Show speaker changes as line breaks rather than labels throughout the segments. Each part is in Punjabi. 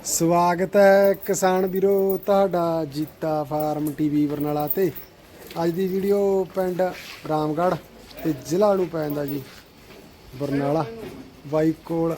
ਸਵਾਗਤ ਹੈ ਕਿਸਾਨ ਵੀਰੋ ਤੁਹਾਡਾ ਜੀਤਾ ਫਾਰਮ ਟੀਵੀ ਬਰਨਾਲਾ ਤੇ ਅੱਜ ਦੀ ਵੀਡੀਓ ਪਿੰਡ ਰਾਮਗੜ੍ਹ ਤੇ ਜ਼ਿਲ੍ਹਾ ਨੂੰ ਪੈਂਦਾ ਜੀ ਬਰਨਾਲਾ। ਬਾਈ ਕੋਲ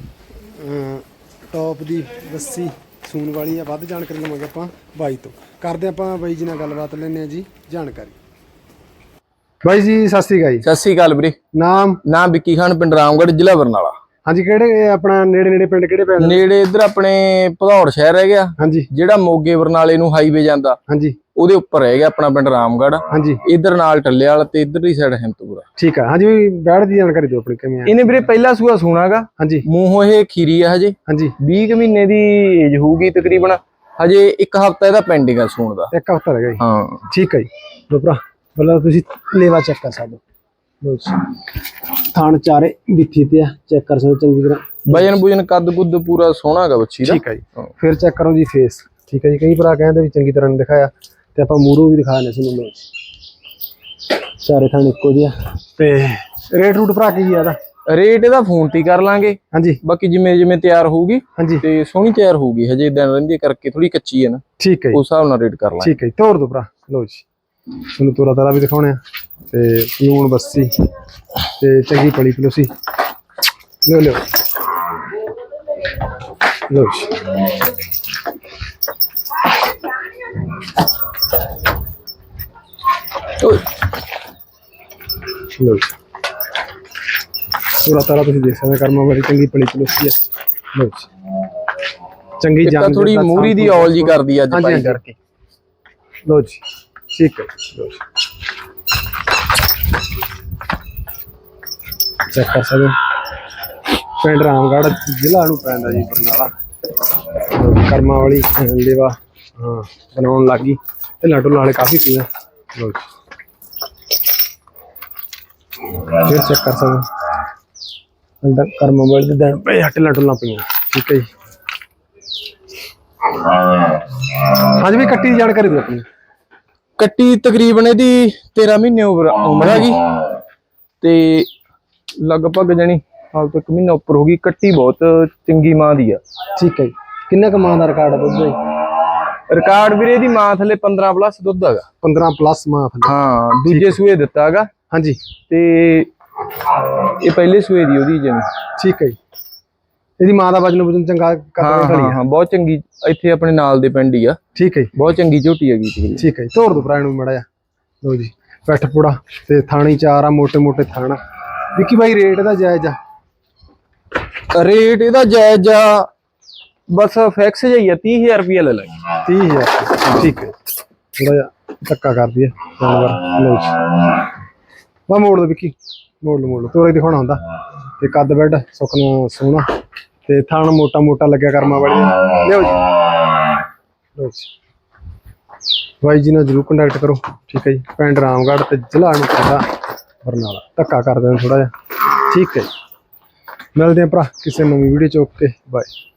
ਟੌਪ ਦੀ ਲੱਸੀ ਸੂਣ ਵਾਲੀ ਆ। ਵੱਧ ਜਾਣਕਾਰੀ ਲਵਾਂਗੇ ਆਪਾਂ ਬਾਈ ਤੋਂ। ਕਰਦੇ ਆਪਾਂ ਬਾਈ ਜੀ ਨਾਲ ਗੱਲਬਾਤ ਲੈਂਦੇ ਆ ਜੀ ਜਾਣਕਾਰੀ। ਬਾਈ ਜੀ ਸਤਿ ਸ਼੍ਰੀ ਅਕਾਲ ਜੀ।
ਸਤਿ ਸ਼੍ਰੀ ਅਕਾਲ ਵੀਰੇ। ਨਾਮ ਵਿੱਕੀ ਖਾਨ, ਪਿੰਡ ਰਾਮਗੜ੍ਹ, ਜ਼ਿਲ੍ਹਾ ਬਰਨਾਲਾ।
ਹਾਂਜੀ, ਕਿਹੜੇ ਆਪਣਾ ਨੇੜੇ ਪਿੰਡ ਕਿਹੜੇ ਪੈਂਦੇ?
ਨੇੜੇ ਇੱਧਰ ਆਪਣੇ ਭਦੌੜ ਸ਼ਹਿਰ ਰਹਿ ਗਿਆ।
ਹਾਂਜੀ,
ਜਿਹੜਾ ਮੋਗੇ ਬਰਨਾਲੇ ਨੂੰ ਹਾਈਵੇ ਜਾਂਦਾ,
ਹਾਂਜੀ,
ਉਹਦੇ ਉੱਪਰ ਰਹਿ ਗਿਆ ਆਪਣਾ ਪਿੰਡ ਰਾਮਗੜ੍ਹ।
ਹਾਂਜੀ,
ਇੱਧਰ ਨਾਲ ਟੱਲੇਵਾਲ ਤੇ ਇੱਧਰਲੀ ਸਾਈਡ ਹਿੰਮਤਪੁਰਾ।
ਠੀਕ ਆ। ਹਾਂਜੀ, ਬੈੜ ਦੀ ਜਾਣਕਾਰੀ ਦਿਓ ਆਪਣੀ ਕਿਵੇਂ ਆ?
ਇਹਨੇ ਵੀਰੇ ਪਹਿਲਾ ਸੂਆ ਸੂਣਾਗਾ। ਹਾਂਜੀ, ਮੂੰਹੋਂ ਇਹ ਖੀਰੀ ਆ ਹਜੇ। ਹਾਂਜੀ, 20 ਮਹੀਨੇ ਦੀ ਏਜ ਹੋਊਗੀ ਤਕਰੀਬਨ। ਹਜੇ ਇੱਕ ਹਫ਼ਤਾ ਇਹਦਾ ਪੈਂਡਿੰਗ ਆ ਸੂਣ ਦਾ।
ਇੱਕ ਹਫ਼ਤਾ ਰਹਿ ਗਿਆ ਜੀ।
ਹਾਂ
ਠੀਕ ਹੈ ਜੀ। ਲੋ ਭਰਾ ਮਤਲਬ ਤੁਸੀਂ ਲੇਵਾ ਚੈੱਕ ਕਰ ਸਕਦੇ ਹੋ। ਥਣ ਚਾਰੇ ਬਿੱਠੀ ਤੇ ਆ, ਚੈੱਕ ਕਰ ਸਕਦੇ ਚੰਗੀ ਤਰ੍ਹਾਂ।
ਵਜਨ ਕੱਦ ਕੁੱਦ ਪੂਰਾ ਸੋਹਣਾਗਾ ਬੱਚੀ ਦਾ।
ਠੀਕ ਹੈ ਜੀ। ਫਿਰ ਚੈੱਕ ਕਰੋ ਜੀ ਫੇਸ। ਠੀਕ ਹੈ ਜੀ। ਕਈ ਭਰਾ ਕਹਿੰਦੇ ਵੀ ਚੰਗੀ ਤਰ੍ਹਾਂ ਨਹੀਂ ਦਿਖਾਇਆ ਤੇ ਆਪਾਂ ਮੂਹਰੋਂ ਵੀ ਦਿਖਾ ਦਿੰਦੇ ਤੁਹਾਨੂੰ। ਚਾਰੇ ਥਣ ਇੱਕੋ ਜਿਹਾ। ਤੇ ਰੇਟ ਰੂਟ ਭਰਾ ਕੀ ਇਹਦਾ?
ਰੇਟ ਇਹਦਾ ਫੋਨ ਤੇ ਕਰ ਲਾਂਗੇ। ਹਾਂਜੀ, ਬਾਕੀ ਜਿਵੇਂ ਤਿਆਰ ਹੋਊਗੀ। ਹਾਂਜੀ, ਤੇ ਸੋਹਣੀ ਤਿਆਰ ਹੋਊਗੀ। ਹਜੇ ਦਿਨ ਰਹਿੰਦੀ ਕਰਕੇ ਥੋੜੀ ਕੱਚੀ ਹੈ ਨਾ। ਠੀਕ ਹੈ, ਉਸ ਹਿਸਾਬ ਨਾਲ ਰੇਟ ਕਰ ਲਾਂਗੇ।
ਠੀਕ ਹੈ ਜੀ। ਤੋਰ ਦੋ ਭਰਾ। ਲੋ ਜੀ ਤੁਹਾਨੂੰ ਤੋਰਾ ਤਾਰਾ ਵੀ ਦਿਖਾਉਣੇ ਆ ਤੇ ਲੂਣ ਬੱਸੀ ਤੇ ਚੰਗੀ ਪਲੀ ਪਲੋਸੀ। ਲੋ ਲੋ ਲੋ ਜੀ ਲੋ ਜੀ ਤੋਰਾ ਤਾਰਾ ਤੁਸੀਂ ਦੇਖ ਸਕਦੇ ਕਰਮਾਂ ਵਾਲੀ ਚੰਗੀ ਪਲੀ ਪਲੋਸੀ ਆ। ਲੋ ਜੀ ਚੰਗੀ ਜਾਨ
ਥੋੜੀ ਮੂਰੀ ਦੀ ਔਲ ਜੀ ਕਰਦੀ ਅੱਜ ਪਾਈ ਕਰਕੇ।
ਲੋ ਜੀ ਠੀਕ ਹੈ। ਲੋ ਜੀ ਚੈੱਕ ਕਰ ਸਕਦੇ ਪਿੰਡ ਰਾਮਗੜ੍ਹ, ਜ਼ਿਲ੍ਹਾ ਨੂੰ ਪੈਂਦਾ ਜੀ ਬਰਨਾਲਾ। ਕਰਮਾਂ ਵਾਲੀ ਲੇਵਾ ਹਾਂ ਬਣਾਉਣ ਲੱਗ ਗਈ ਤੇ ਢੁੱਲਾਂ ਵਾਲੇ ਕਾਫੀ ਪੀਆਂ। ਲੋ ਜੀ ਫਿਰ ਚੈੱਕ ਕਰ ਸਕਦੇ ਕਰਮਾਂ ਵਾਲੀ ਦੇ ਦਿਨ ਪਏ ਢੁੱਲਾਂ ਪਈਆਂ। ਠੀਕ ਹੈ ਜੀ। ਹਾਂਜੀ ਵੀ ਕੱਟੀ ਦੀ ਜਾਣਕਾਰੀ ਦਿਓ ਆਪਣੀ।
ਕੱਟੀ ਤਕਰੀਬਨ ਇਹਦੀ 13 ਮਹੀਨੇ ਉਮਰ ਹੈਗੀ ਤੇ ਲਗਭਗ ਜਾਨੀ ਹਾਲ ਤੋਂ 1 ਮਹੀਨਾ ਉੱਪਰ ਹੋ ਗਈ। ਕੱਟੀ ਬਹੁਤ ਚੰਗੀ ਮਾਂ ਦੀ ਆ।
ਠੀਕ ਹੈ ਜੀ। ਕਿੰਨਾ ਕੁ ਮਾਂ ਦਾ ਰਿਕਾਰਡ ਆ ਦੁੱਧ ਦਾ?
ਰਿਕਾਰਡ ਵੀਰੇ ਦੀ ਮਾਂ ਥੱਲੇ 15 ਪਲੱਸ ਦੁੱਧ ਹੈਗਾ।
15 ਪਲੱਸ ਮਾਂ ਥੱਲੇ?
ਹਾਂ, ਦੂਜੇ ਸੂਏ ਦਿੱਤਾ ਹੈਗਾ। ਹਾਂਜੀ, ਤੇ ਇਹ ਪਹਿਲੇ ਸੂਏ ਦੀ ਉਹਦੀ ਜਨ।
ਠੀਕ ਹੈ ਜੀ। ਇਹਦੀ ਮਾਂ ਦਾ ਵਜਨ ਚੰਗਾ ਕਰਦਾ?
ਹਾਂ, ਬਹੁਤ ਚੰਗੀ। ਇੱਥੇ ਆਪਣੇ ਨਾਲ ਦੇ ਪਿੰਡ ਹੀ ਆ। ਠੀਕ ਹੈ, ਬਹੁਤ ਚੰਗੀ ਝੋਟੀ ਹੈਗੀ।
ਠੀਕ ਹੈ ਜੀ। ਤੋਰ ਦੋ ਭਰਾ ਨੂੰ ਮੜਾ ਜਾ। ਲੋ ਜੀ ਪੈਠ ਪੂੜਾ ਤੇ ਥਾਣੀ ਚਾਰ ਆ, ਮੋਟੇ ਮੋਟੇ ਥਾਣਾ। ਵਿੱਕੀ ਬਾਈ ਰੇਟ ਇਹਦਾ ਜਾਇਜ਼ ਆ?
ਰੇਟ ਇਹਦਾ ਜਾਇਜ਼ ਆ, ਬਸ ਫਿਕਸ ਜਿਹਾ ਹੀ ਆ। 30,000 ਰੁਪਇਆ ਲੈ ਲਾਂਗੇ।
30,000? ਠੀਕ ਹੈ। ਥੋੜਾ ਜਿਹਾ ਧੱਕਾ ਕਰਦੀ ਹੈ ਜਾਨਵਰ। ਲੋ ਜੀ ਵਾ ਮੋੜ ਦੋ ਵਿੱਕੀ, ਮੋੜ ਲਓ ਤੋਰੇ ਦਿਖਾਉਣਾ ਹੁੰਦਾ। ਤੇ ਕੱਦ ਬੈਡ ਸੁੱਕਣਾ ਸੋਹਣਾ ਤੇ ਥਣ ਮੋਟਾ ਮੋਟਾ ਲੱਗਿਆ ਕਰਮਾਂ ਵਾਲੀ। ਲਿਓ ਜੀ। ਲੋ ਜੀ ਬਾਈ ਜੀ ਨਾਲ ਜ਼ਰੂਰ ਕੰਟੈਕਟ ਕਰੋ। ਠੀਕ ਹੈ ਜੀ। ਪਿੰਡ ਰਾਮਗੜ੍ਹ ਤੇ ਜ਼ਿਲ੍ਹਾ ਨੂੰ ਪੈਂਦਾ ਬਰਨਾਲਾ। ਧੱਕਾ ਕਰਦੇ ਨੇ ਥੋੜਾ ਜਿਹਾ। ਠੀਕ ਹੈ ਜੀ। ਮਿਲਦੇ ਆ ਭਰਾ ਕਿਸੇ ਨਵੀਂ ਵੀਡੀਓ ਚ। Okay bye.